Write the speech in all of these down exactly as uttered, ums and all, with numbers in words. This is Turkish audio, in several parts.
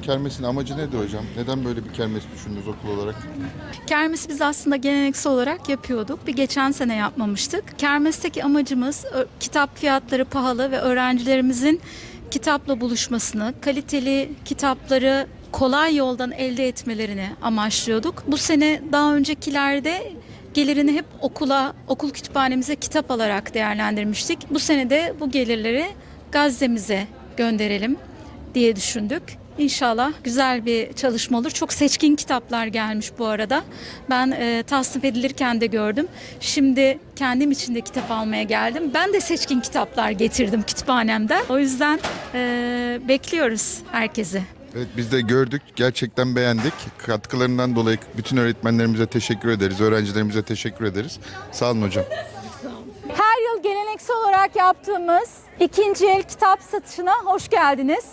kermesin amacı nedir hocam? Neden böyle bir kermes düşündünüz okul olarak? Kermesi biz aslında geleneksel olarak yapıyorduk. Bir geçen sene yapmamıştık. Kermesteki amacımız ö- kitap fiyatları pahalı ve öğrencilerimizin kitapla buluşmasını, kaliteli kitapları kolay yoldan elde etmelerini amaçlıyorduk. Bu sene daha öncekilerde gelirini hep okula, okul kütüphanemize kitap alarak değerlendirmiştik. Bu sene de bu gelirleri Gazze'mize gönderelim diye düşündük. İnşallah güzel bir çalışma olur. Çok seçkin kitaplar gelmiş bu arada. Ben e, tasnif edilirken de gördüm. Şimdi kendim için de kitap almaya geldim. Ben de seçkin kitaplar getirdim kütüphanemden. O yüzden e, bekliyoruz herkesi. Evet, biz de gördük. Gerçekten beğendik. Katkılarından dolayı bütün öğretmenlerimize teşekkür ederiz. Öğrencilerimize teşekkür ederiz. Sağ olun hocam. Her yıl geleneksel olarak yaptığımız ikinci el kitap satışına hoş geldiniz.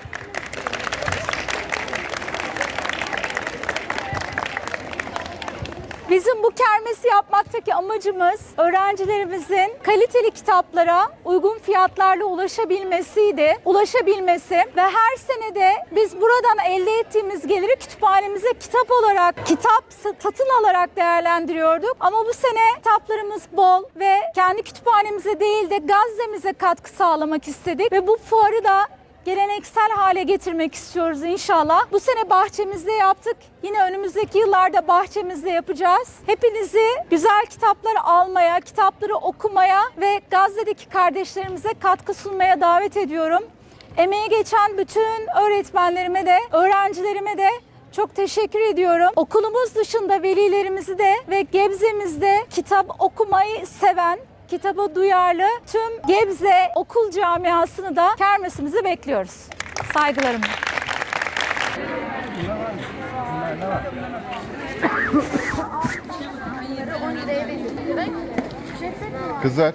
Bizim bu kermesi yapmaktaki amacımız öğrencilerimizin kaliteli kitaplara uygun fiyatlarla ulaşabilmesiydi, ulaşabilmesi ve her senede biz buradan elde ettiğimiz geliri kütüphanemize kitap olarak, kitap satın alarak değerlendiriyorduk. Ama bu sene kitaplarımız bol ve kendi kütüphanemize değil de Gazze'mize katkı sağlamak istedik ve bu fuarı da geleneksel hale getirmek istiyoruz inşallah. Bu sene bahçemizde yaptık. Yine önümüzdeki yıllarda bahçemizde yapacağız. Hepinizi güzel kitaplar almaya, kitapları okumaya ve Gazze'deki kardeşlerimize katkı sunmaya davet ediyorum. Emeği geçen bütün öğretmenlerime de, öğrencilerime de çok teşekkür ediyorum. Okulumuz dışında velilerimizi de ve Gebze'mizde kitap okumayı seven, kitaba duyarlı tüm Gebze okul camiasını da kermesimize bekliyoruz. Saygılarımla. Kızlar.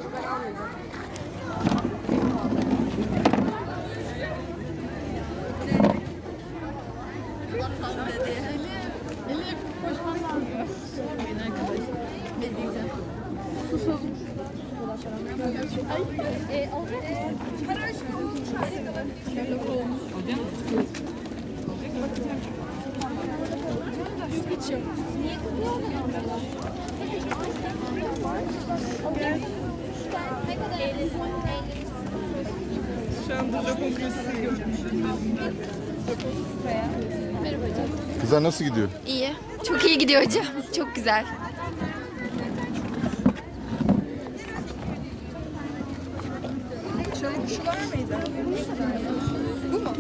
Şu anda Japon klasisi görüyorum. Kızlar nasıl gidiyor? İyi. Çok iyi gidiyor hocam. Çok güzel. Çabuk şu var mıydı? Bu mu?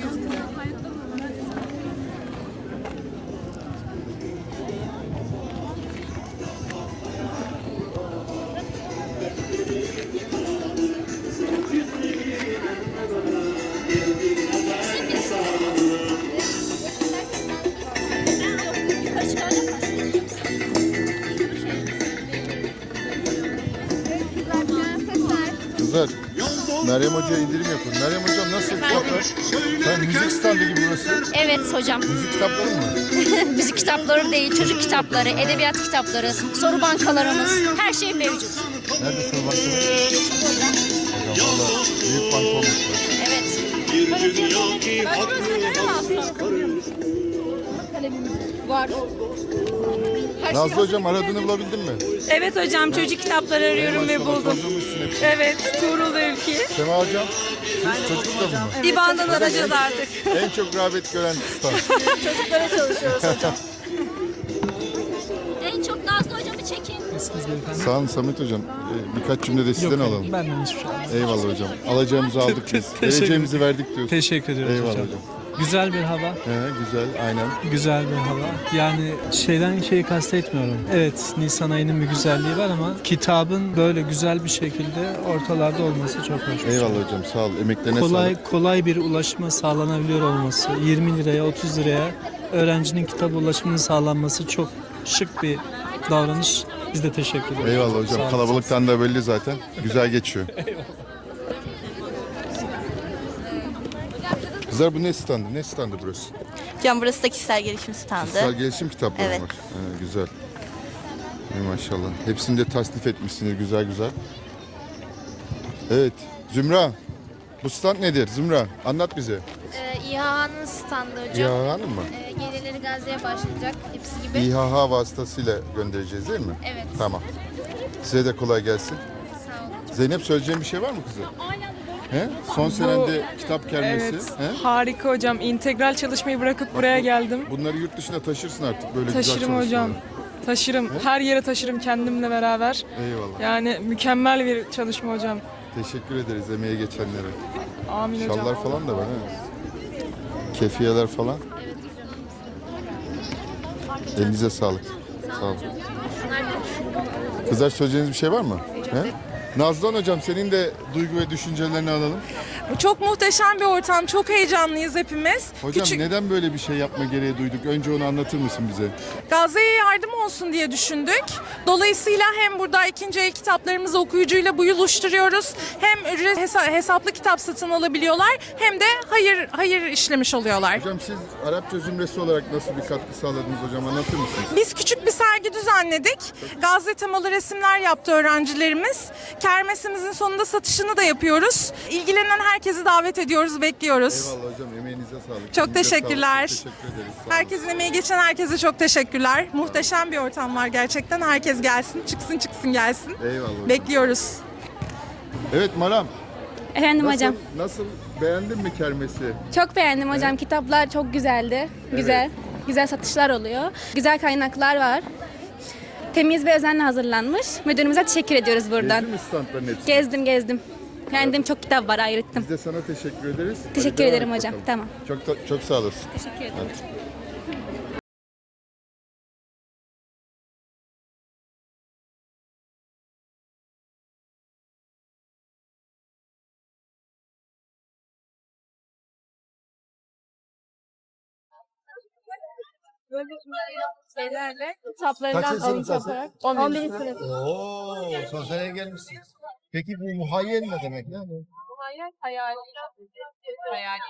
Kızlar, Meryem Hoca'ya indirim yapın. Meryem Hocam nasıl kitaplar? Sen müzik standı gibi burası. Evet hocam. Müzik kitapları mı? Müzik kitapları değil, çocuk kitapları, edebiyat kitapları, soru bankalarımız, her şey mevcut. Nerede soru bankaları? Hocam valla büyük banka olmuş burası. Evet. Var. Her Nazlı Hocam aradığını bulabildin mi? Evet hocam, çocuk kitapları arıyorum ve Maşallah, buldum. kaldırmışsın hepsini. Evet, Tuğrul Ülki. Sema Hocam, siz çocuk kitabı mı? Divandan alacağız artık. En çok rağbet gören stand. Çocuklara çalışıyoruz hocam. En çok Nazlı hocamı çekin. Sağ olun Samet Hocam. Ee, birkaç cümle de sizden Yok, alalım. benden hiçbir şey almaz. Eyvallah hocam. Alacağımızı aldık biz. Teşekkür- Vereceğimizi verdik diyoruz. Teşekkür ediyoruz Eyvallah hocam. hocam. Güzel bir hava, He, güzel, aynen. güzel bir hava. Yani şeyden şeyi kastetmiyorum. Evet, Nisan ayının bir güzelliği var ama kitabın böyle güzel bir şekilde ortalarda olması çok hoş. Eyvallah hocam, sağ ol. Emeklerine Kolay sağlık. kolay bir ulaşıma sağlanabiliyor olması, yirmi liraya, otuz liraya öğrencinin kitap ulaşımının sağlanması çok şık bir davranış. Biz de teşekkür ederiz. Eyvallah Sağ hocam. olun. Kalabalıktan da belli zaten. Güzel geçiyor. Kızlar bu ne standı? Ne standı burası? Hocam burası da kişisel gelişim standı. Kişisel gelişim kitapları Evet. var. He, güzel. Ey maşallah. Hepsini de tasnif etmişsiniz güzel güzel. Evet. Zümra. Bu stand nedir Zümra? Anlat bize. Ee, İHA'nın standı hocam. İHA Hanım mı? Ee, geceleri Gazze'ye başlayacak hepsi gibi. İHA vasıtasıyla göndereceğiz değil mi? Evet. Tamam. Size de kolay gelsin. Sağ olun. Zeynep söyleyeceğin bir şey var mı kızım? He? Son senende kitap kermesi. Evet, He? harika hocam. İntegral çalışmayı bırakıp buraya geldim. Bunları yurt dışına taşırsın artık böyle Taşırım güzel hocam. çalışmaları. Taşırım. Her yere taşırım kendimle beraber. Eyvallah. Yani mükemmel bir çalışma hocam. Teşekkür ederiz emeğe geçenlere. Amin hocam. Şallar falan da var ha. Kefiyeler falan. Elinize sağlık. Sağ olun. Kızlar söyleyeceğiniz bir şey var mı? He? Nazlan hocam senin de duygu ve düşüncelerini alalım. Çok muhteşem bir ortam, çok heyecanlıyız hepimiz. Hocam Küçük neden böyle bir şey yapma gereği duyduk? Önce onu anlatır mısın bize? Gazze'ye yardım olsun diye düşündük. Dolayısıyla hem burada ikinci el kitaplarımızı okuyucuyla buluşturuyoruz. Hem ücret hesa- hesaplı kitap satın alabiliyorlar hem de hayır hayır işlemiş oluyorlar. Hocam siz Arapça zümresi olarak nasıl bir katkı sağladınız hocam anlatır mısınız? Biz küçük bir sergi düzenledik. Gazze temalı resimler yaptı öğrencilerimiz. Kermesimizin sonunda satışını da yapıyoruz. İlgilenen herkesi davet ediyoruz, bekliyoruz. Eyvallah hocam emeğinize sağlık. Çok Elinize teşekkürler. sağlık. Çok teşekkür ederiz. Sağ olun. Herkesin emeği geçen herkese çok teşekkürler. Muhteşem bir ortam var gerçekten. Herkes gelsin, çıksın çıksın gelsin. Eyvallah hocam. Bekliyoruz. Evet Maram. Efendim Nasıl, hocam. nasıl beğendin mi kermesi? Çok beğendim hocam. Kitaplar çok güzeldi. Güzel. Güzel satışlar oluyor. Güzel kaynaklar var. Temiz ve özenle hazırlanmış. Müdürümüze teşekkür ediyoruz buradan. Gezdin mi standların hepsini? Gezdim gezdim. Beğendim, çok kitap var, ayrıttım. Biz de sana teşekkür ederiz. Hadi Teşekkür devam ederim et hocam. bakalım. Tamam. Çok da- çok sağ olasın. Teşekkür ederim. Hadi. Şeylerle. Kaçıncı sınıftasın? on birinci sınıf. Oo, son seneye gelmişsin. Peki bu muhayyel ne demek ya? bu? Hayal, hayal. Hayal.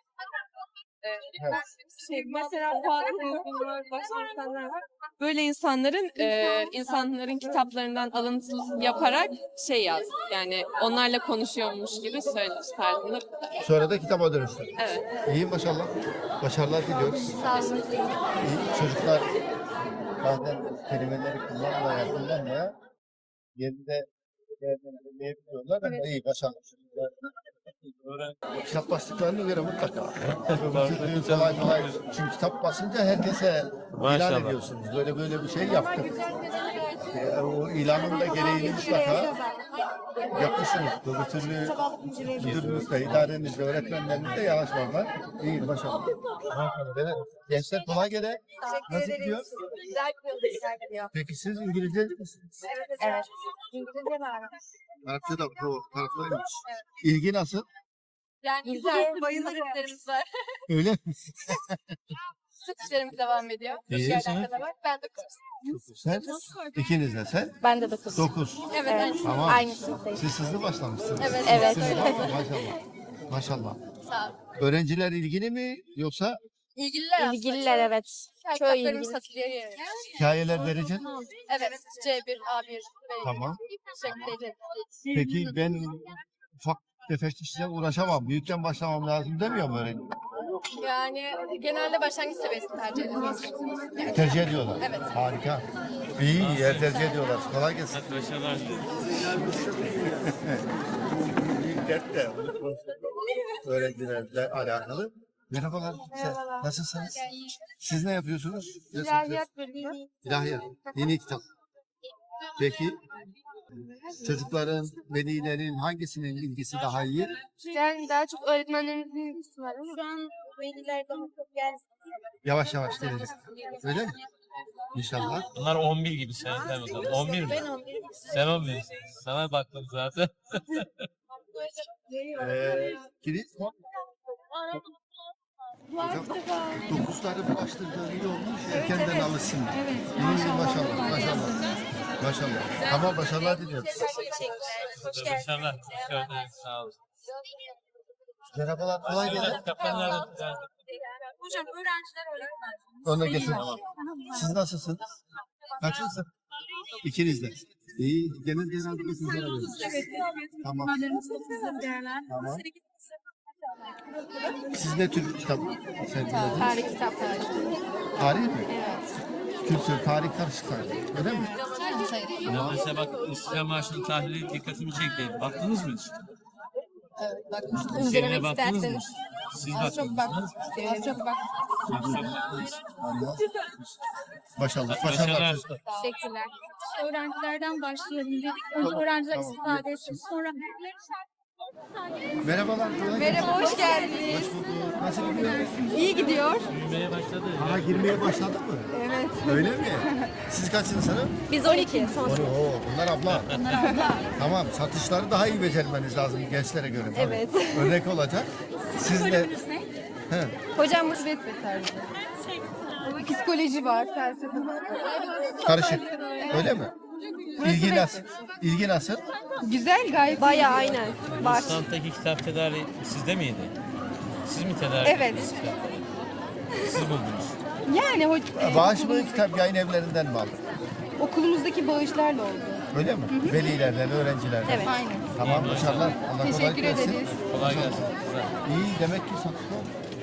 Evet. Şey, mesela bazı insanlar, başka insanlar var. Böyle insanların e, insanların kitaplarından alıntı yaparak şey yaz. Yani onlarla konuşuyormuş gibi söylemiş tarzında. Sonra da kitaba dönüştün. Evet. İyi maşallah. Başarılar diliyoruz. Sağ olun. İyi. Çocuklar bazen kelimeleri kullanmaya kullanmaya yerinde değerlendirebiliyorlar ama iyi başarılı çocuklar. Kitap bastıklarına göre mutlaka. kolay kolay. Çünkü kitap basınca herkese ilan ediyorsunuz. Böyle böyle bir şey yaptık. E, o ilanın da gereğini mutlaka yapmışsınız. Öbür türlü müdürünüzle, idarenizle, öğretmenlerinizle yanaşmalar. İyi, başarılı. Evet. Gençler kolay gele. Nasıl gidiyor? Güzel gidiyor. Peki siz İngilizce misiniz? Evet. İngilizce var. Arapça da bu taraflarıymış. İlgi nasıl? Yani güzel, bayılırız var. Öyle mi? Satışlarımız devam ediyor. İyi, Yerden sen? kadar var. Ben de kızım. Sen? İkiniz de sen? Ben de dokuz. Dokuz. Evet, evet. Tamam. Aynı sınıftayız. Siz hızlı başlamışsınız. Evet. Evet. Sizin var mı? Maşallah. Maşallah. Sağ ol. Öğrenciler ilgili mi yoksa İlgililer aslında. İlgililer evet. Çok Kitaplarımız ilgili. satılıyor. Yani. hikayeler vereceksin? Evet. C bir, A bir, B bir. Tamam. Şeklinde. Peki ben ufak tefek işle uğraşamam. Büyükten başlamam lazım demiyor mu öğrenci? Yani genelde başlangıç seviyesini tercih ediyoruz. Yani. Tercih ediyorlar. Evet. Harika. İyi, iyi. Yer tercih ediyorlar. Kolay gelsin. Bir dert de öğrencilerle alakalı. Merhabalar. Sen, nasılsınız? Siz ne yapıyorsunuz? İlahiyat bölümü. İlahiyat. Yeni kitap. Peki çocukların, velilerin hangisinin ilgisi daha iyi? Yani daha çok öğretmenlerimizin ilgisi var ama. Şu an veliler daha çok gelsin. Yavaş yavaş gelecek. Öyle mi? İnşallah. Bunlar on bir gibi sen sen bakalım. on bir mi? Ben on bir. Sen on bir. Sana baktım zaten. Ee, kilit. Hocam, dokuzları bulaştırdığı iyi olmuş. Erkenden alışsın. Evet. İyi, maşallah. Maşallah. Maşallah. Tamam, başarılar diliyoruz. İnşallah. Hoş geldiniz. Sağ olun. Merhabalar. Kolay gelsin. Kapanlar. Hocam öğrenciler öğretmen. Onu da getir. Siz nasılsınız? Kaçıncısın? İkiniz de. İyi. Genel genel bir düşünceler veriyorsunuz. Evet. Tamam. Tamam. Tamam. Siz ne tür kitap sergilediniz? Tarih kitapları. Tarih mi? Evet. Kültür, tarih karışık sanki. Öyle mi? Ya mesela bak İstiklal Marşı'nın tahlili dikkatimi çekti. Baktınız mı hiç? Evet, bakmıştım. İçeriğine İncelemek baktınız mı? isterseniz. Siz Az çok bak. baktınız mı? Az çok bak. Siz çok baktınız. Başarılı. Başarılar. Başarılar. Teşekkürler. Öğrencilerden başlayalım dedik. Önce öğrenciler tamam. istifade etsin. Sonra Merhabalar. kolay gelsin. Merhaba, hoş geldiniz. Hoş bulduk. Nasıl gidiyor? İyi gidiyor. Büyümeye başladı. Aha girmeye başladı mı? Evet. Öyle mi? Siz kaçıncı sınıf? Biz on iki. Son Oo, bunlar abla. Bunlar abla. Tamam, satışları daha iyi becermeniz lazım gençlere göre. Tabii. Evet. Örnek olacak. Siz de... He. Hocam musibet ve tarzı. Psikoloji var, felsefe var. Karışık. Öyle mi? İlgi nasıl? İlgi nasıl? Güzel gayet. Bayağı aynen. Var. Standtaki kitap tedariği sizde miydi? Siz mi tedarik Evet. ettiniz kitapları? Siz buldunuz. Yani ho- Bağış mı, kitap yayın evlerinden mi aldın? okulumuzdaki bağışlarla oldu. Öyle mi? Velilerden, öğrencilerden. Evet. Aynen. Tamam, başarılar. Allah kolaylık Teşekkür versin. ederiz. Kolay gelsin. Güzel. İyi, demek ki satışlar.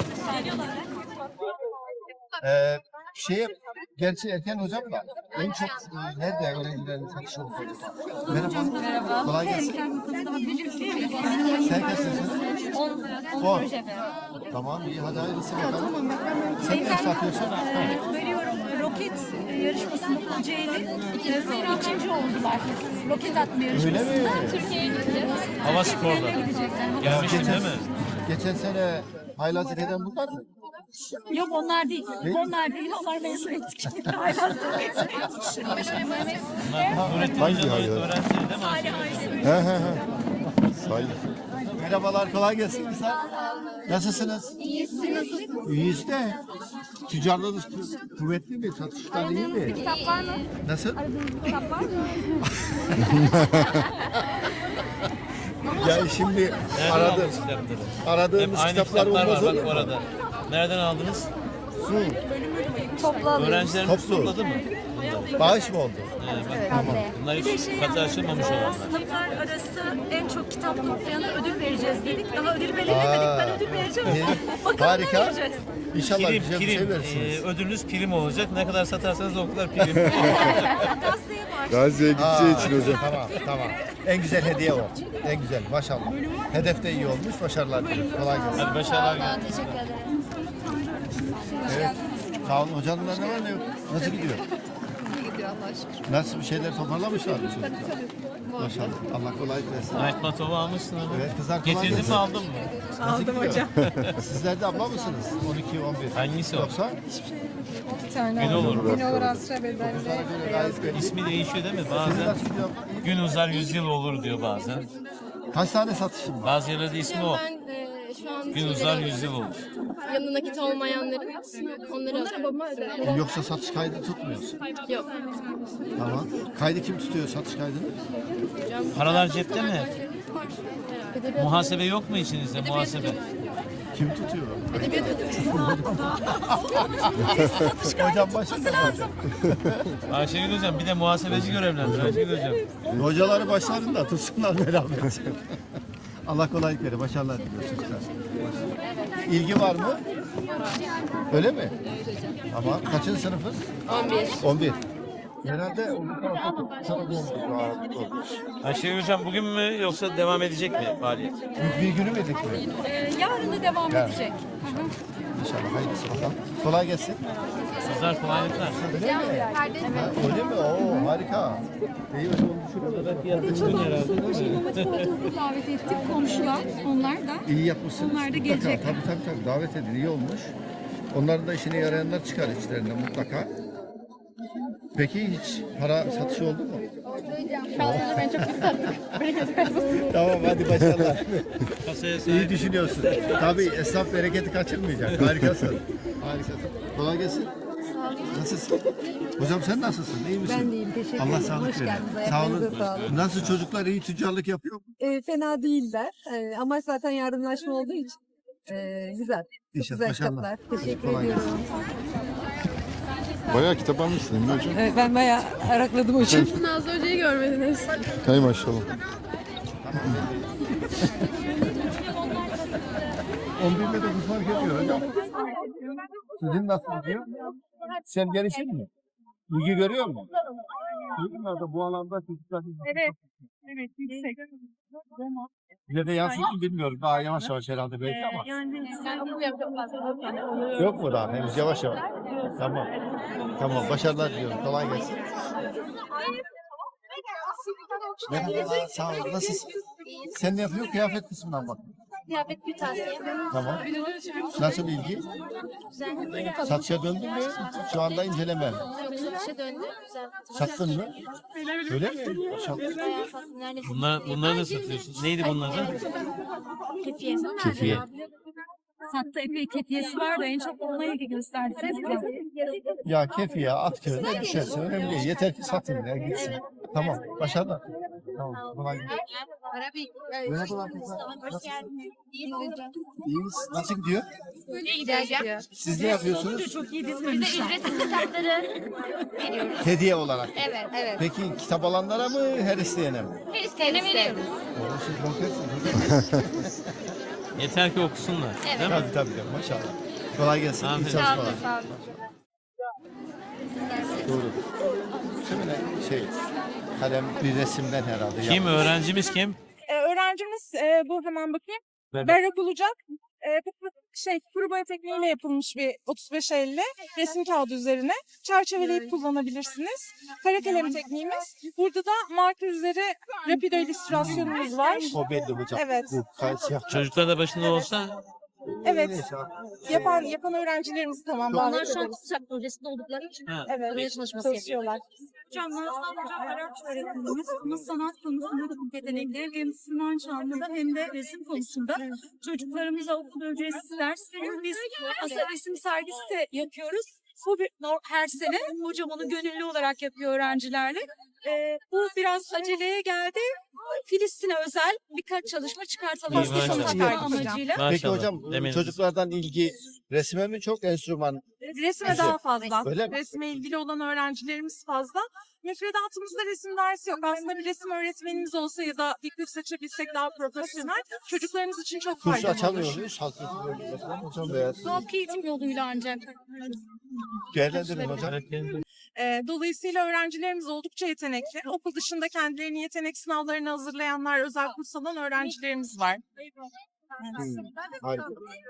Ee, şeye, gerçi Erken hocam da en çok e, nerede öğrencilerin satışı oldu? Merhaba. Merhaba. Kolay gelsin. Sen kaç yaşındasın? On. Tamam, iyi. Hadi hayırlısı bakalım. Sen ne satıyorsun? Veriyorum roket yarışmasında Kocaeli ikinci oldular. Roket atma Öyle mi? Türkiye'ye gideceğiz. Hava sporda. Gelmiştin değil mi? Geçen sene haylazlık eden bunlar mı? Yok onlar değil. Ne? Onlar değil. Onlar mezun ettik. Bunlar Nurettin Hangi Hoca'nın hayır? öğrencileri değil mi? Ayşe? He he he. Say. Merhabalar, kolay gelsin kızlar. Nasılsınız? İyiyiz, nasılsınız? İyiyiz de. Tüccarlığınız kü- kuvvetli mi? Satışlar iyi mi? Kitap var mı? Nasıl? Kitap var mı? Ya şimdi Nereden aradım. aldınız kitapları? Aradığımız Hep aynı kitaplar kitaplar olmaz var olur bak mu? orada. Nereden aldınız? Toplu alıyoruz. Öğrencilerimiz Toplu. topladı mı? Bağış mı oldu? He, bak, bunlar hiç katı açılmamış olanlar. Sınıflar arası en çok kitap toplayana ödül vereceğiz dedik. Daha ödül belirlemedik. Ben ödül vereceğim. iyi. Bakalım Harika. ne vereceğiz. İnşallah Prim, güzel bir şey prim. verirsiniz. Ee, ödülünüz prim olacak. Ne kadar satarsanız o kadar prim. Gazeteye var. Gazi'ye Aa, gideceği için hocam. Tamam, tamam. En güzel hediye o. En güzel, maşallah. Hedef de iyi olmuş, başarılar dilerim. Kolay gelsin. Hadi başarılar. gelsin. Teşekkür ederim. Evet. Sağ olun. Hocanın ne var ne yok? Nasıl gidiyor? İyi gidiyor Allah'a şükür. Nasıl bir şeyler toparlamışlar mı çocuklar? Maşallah. Allah kolaylık versin. Night Matov'u almışsın ama. Evet, kızlar kolay Getirdin gelsin. mi aldın mı? Aldım hocam. Sizler de abla mısınız? on iki on bir. Hangisi o? Yoksa? Bir tane. Gün olur. Gün olur Asra Bedel'de. Sana göre gayet belli. İsmi değişiyor değil mi? Sizin Bazen nasıl gidiyor? gün uzar yüzyıl olur diyor bazen. Kaç tane satışın var? Bazı yerlerde ismi o. Ben e, şu an Gün uzar yüzyıl olur. yanında nakit olmayanların onları alıyorum. Yoksa satış kaydı tutmuyorsun. Yok. Tamam. Kaydı kim tutuyor satış kaydını? Paralar cepte mi? Muhasebe yok mu içinizde muhasebe? Kim tutuyor? Hocam başında lazım. Ayşegül Hocam bir de muhasebeci görevlendir Ayşegül Hocam. Hocaları başlarında tutsunlar beraber. Allah kolaylık verir. Başarılar diliyoruz çocuklar. İlgi var mı? Öyle mi? Tamam. Kaçıncı sınıfız? on bir. on bir. Herhalde on bir tarafa sana doğmuş. Ayşegül Hocam bugün mü yoksa devam edecek mi faaliyet? Bir günü müydük mi? Ee, yarın da devam Yarın. edecek. İnşallah hayırlısı bakalım. Kolay gelsin. Sizler kolaylıklar. Öyle mi? Ha, öyle mi? Oo harika. İyi hocam onu Davet ettik komşular. Onlar da. İyi yapmışsınız. Onlar da Mutlaka. gelecekler. Tabii tabii tabii. Davet edin. İyi olmuş. Onların da işine yarayanlar çıkar içlerinden mutlaka. Peki hiç para satışı oldu mu? Şanslıca ben çok biz sattık. Tamam hadi başarılar. Kasaya İyi sahip. düşünüyorsun. Tabii esnaf bereketi kaçırmayacak. Harikasın. Harikasın. Kolay gelsin. Nasılsın? Hocam sen nasılsın? İyi misin? Ben de iyiyim, teşekkür Allah ederim. sağlık Hoş verir. geldiniz, Sağ olun. ayaklarınıza sağlık. Nasıl çocuklar iyi tüccarlık yapıyor mu? E, fena değiller. E, ama zaten yardımlaşma olduğu için e, güzel. Çok İnşallah, güzel maşallah. kitaplar. Teşekkür Kolay ediyorum. Bayağı kitap almışsın değil mi hocam? Evet, ben bayağı arakladım hocam. Nazlı Hoca'yı görmediniz. Hay maşallah. on birle dokuz fark ediyor hocam. Sizin nasıl gidiyor? Sen gelişin mi? İlgi görüyor musun? Çocuklarda bu alanda çocuklar... Evet. Evet, yüksek. Bize de yansıdı mı bilmiyorum. Daha yavaş yavaş herhalde belki ama. Yani Yok mu daha? Henüz yavaş yavaş. Tamam. Tamam. Başarılar diliyorum. Kolay gelsin. Merhaba. Sağ ol. Nasılsın? Sen ne yapıyorsun? Kıyafet kısmından bak. Kıyafet kırtasiye. Tamam. Nasıl ilgi? Güzel. Satışa döndün mü? Şu anda inceleme. Yok satışa döndü. Güzel. Sattın mı? Öyle mi? Maşallah. Bayağı sattım. Neredeyse. Bunlar, bunları da satıyorsun. Neydi bunlar da? Kefiye. Kefiye. Sattı epey kefiyesi var da en çok ona ilgi gösterdi. Ya kefiye at köyüne düşerse önemli değil. Yeter ki satın ya gitsin. Tamam. Başarılar. Tamam. Kolay gelsin. Merhabalar kızlar. Hoş geldiniz. İyiyiz. Nasıl gidiyor? İyi gidiyor. Siz ne yapıyorsunuz? Çok iyi Biz de dizmemişler. ücretsiz kitapları veriyoruz. Hediye olarak. Evet, evet. Peki kitap alanlara mı her isteyene mi? Her isteyene veriyoruz. Oo, siz bonkersiniz. Yeter ki okusunlar. Evet. Değil mi? Tabii tabii. Maşallah. Kolay gelsin. İyi Aferin. Sağ çalışmalar. olun, sağ olun. Doğru. Şöyle şey, kalem bir resimden herhalde. Kim? yapmış. Öğrencimiz kim? Ee, öğrencimiz e, bu hemen bakayım. Berrak. Berrak olacak. E, bu şey kuru boya tekniğiyle yapılmış bir otuz beş elli resim kağıdı üzerine çerçeveleyip kullanabilirsiniz. Kara kalem tekniğimiz. Burada da marka üzeri rapido illüstrasyonumuz var. O belli hocam. Evet. Bu kay- siyah. Çocuklar da başında olsa Evet. Neyse, Yapan yapan öğrencilerimizi tamam Onlar davet şu an ederiz. TÜSAK projesinde oldukları için ha, Evet. buraya çalışması yapıyor. Çalışıyorlar. Hocam sadece Arapça öğretmenimiz ama sanat konusunda da bu yetenekleri hem Sinan Çamlı'da hem de resim konusunda çocuklarımıza okulda ücretsiz ders veriyoruz. Biz aslında resim sergisi de yapıyoruz. Bu bir, nor- her sene hocam onu gönüllü olarak yapıyor öğrencilerle. Ee, bu biraz aceleye geldi. Filistin'e özel birkaç çalışma çıkartalım. İyi, maşallah. Sanat amacıyla. maşallah. Peki hocam Demeyin. çocuklardan ilgi resme mi çok enstrüman? Resme Güzel. daha fazla. Öyle mi? Resme ilgili olan öğrencilerimiz fazla. Müfredatımızda resim dersi yok. Aslında bir resim öğretmenimiz olsa ya da bir kurs açabilsek daha profesyonel çocuklarımız için çok Kurs faydalı açamıyor olur. muyuz? Halk eğitimi bölümünde hocam veya Halk eğitim yoluyla ancak. değerlendirin hocam. Ee, dolayısıyla öğrencilerimiz oldukça yetenekli. Okul dışında kendilerini yetenek sınavlarına hazırlayanlar, özel kurs alan öğrencilerimiz var. Hmm, harika.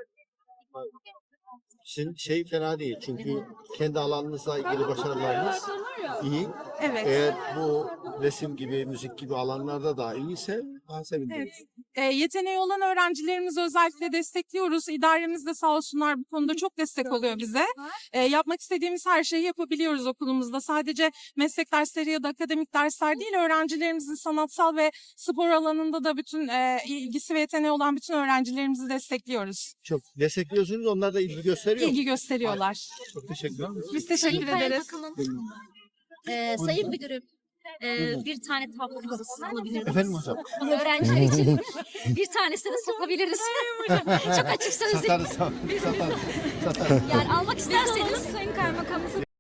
Sizin şey fena değil çünkü kendi alanınızla ilgili başarılarınız iyi. Evet. Eğer bu resim gibi, müzik gibi alanlarda da iyiyse daha sevinirim. Evet. E, yeteneği olan öğrencilerimizi özellikle destekliyoruz. İdaremiz de sağ olsunlar bu konuda çok destek oluyor bize. E, yapmak istediğimiz her şeyi yapabiliyoruz okulumuzda. Sadece meslek dersleri ya da akademik dersler değil, öğrencilerimizin sanatsal ve spor alanında da bütün e, ilgisi ve yeteneği olan bütün öğrencilerimizi destekliyoruz. Çok destekliyorsunuz, onlar da ilgi gösteriyor. İlgi gösteriyorlar. Çok teşekkür ederim. Biz teşekkür Sayın ederiz. Kaymakamım, e, Sayın Müdürüm, e, bir tane tablo kafası alabiliriz. Efendim hocam. Öğrenciler için bir tanesini de satabiliriz. Çok açıksanız Satarız, satarız. Satarız. yani almak isterseniz Sayın Kaymakamımızın